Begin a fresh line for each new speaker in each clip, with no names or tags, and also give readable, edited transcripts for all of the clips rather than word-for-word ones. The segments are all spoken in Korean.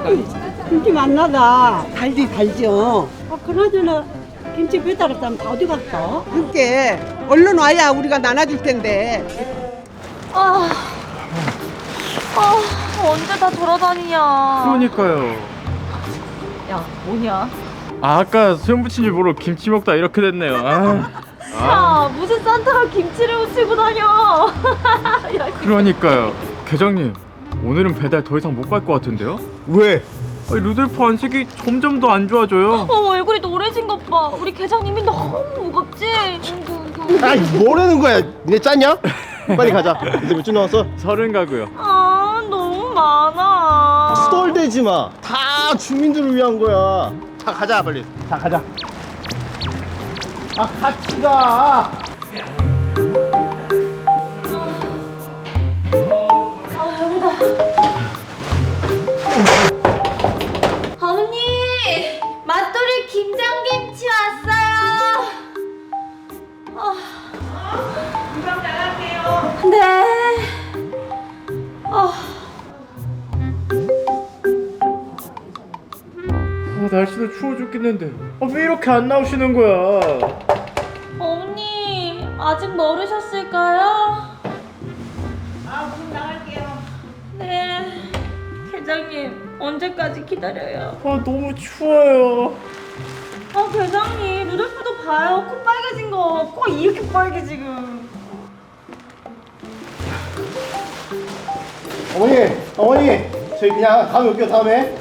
김치 맛나다. 달죠. 그나저나 김치 배달할 사람 다 어디 갔어? 그러니까 얼른 와야 우리가 나눠줄 텐데.
언제 다 돌아다니냐.
그러니까요.
야, 뭐냐?
아까 수염 붙인 줄 모르고 김치 먹다 이렇게 됐네요.
야, 무슨 산타가 김치를 묻히고 다녀. 야,
그러니까요. 계장님, 오늘은 배달 더 이상 못 갈 것 같은데요?
왜?
아니, 루돌프 안색이 점점 더 안 좋아져요.
얼굴이 노래진 것 봐. 우리 계장님이 너무 무겁지?
아이 뭐라는 거야? 니네 짰냐? 빨리 가자. 이제 몇 주 남았어?
30 가고요.
너무 많아.
수덜대지 마. 다 주민들을 위한 거야. 자 가자 빨리. 자 가자. 아 같이 가.
어머니, 맛돌이 김장김치 왔어요. 금방 나갈게요. 네.
날씨도 추워 죽겠는데 왜 이렇게 안 나오시는 거야?
어머니, 아직 모르셨을까요?
그럼 나갈게요.
네. 계장님, 언제까지 기다려요?
너무 추워요.
계장님, 루돌프도 봐요. 코 빨개진 거. 코 이렇게 빨개 지금.
어머니 저희 그냥 다음에 올게요 다음에.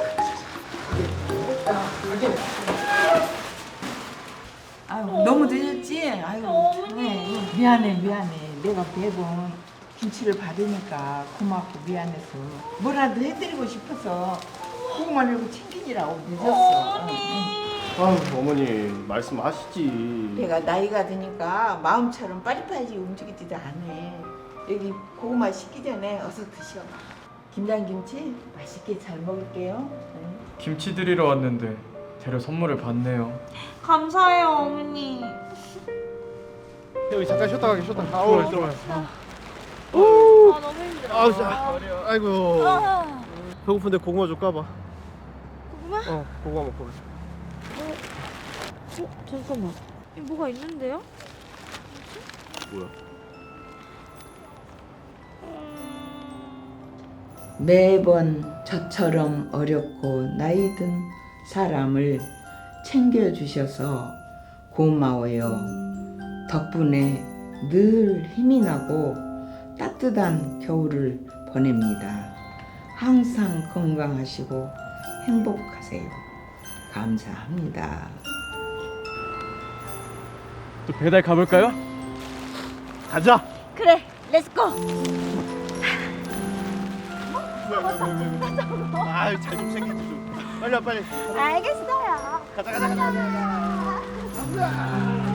아유, 너무 늦었지? 아유,
어머니.
미안해. 내가 매번 김치를 받으니까 고맙고 미안해서 뭐라도 해드리고 싶어서 고구마를 이고 챙기느라고 늦었어.
아유 어머니 말씀하시지.
내가 나이가 드니까 마음처럼 빨리빨리 움직이지도 않네. 여기 고구마 식기 전에 어서 드셔. 김장김치 맛있게 잘 먹을게요. 응.
김치 드리러 왔는데 재료 선물을 받네요.
감사해요, 어머니.
여기 잠깐 쉬었다 가게 쉬었다. 아우 들어가요.
너무 힘들어.
아우 자. 아이고. 배고픈데 고구마 좀 까봐.
고구마?
고구마 먹고 가자.
잠깐만. 뭐가 있는데요?
뭐야?
매번 저처럼 어렵고 나이 든 사람을 챙겨주셔서 고마워요. 덕분에 늘 힘이 나고 따뜻한 겨울을 보냅니다. 항상 건강하시고 행복하세요. 감사합니다.
또 배달 가볼까요?
가자.
그래, 렛츠고.
아유 잘 좀 챙기지 좀. 빨리 와 빨리.
알겠어요.
가자.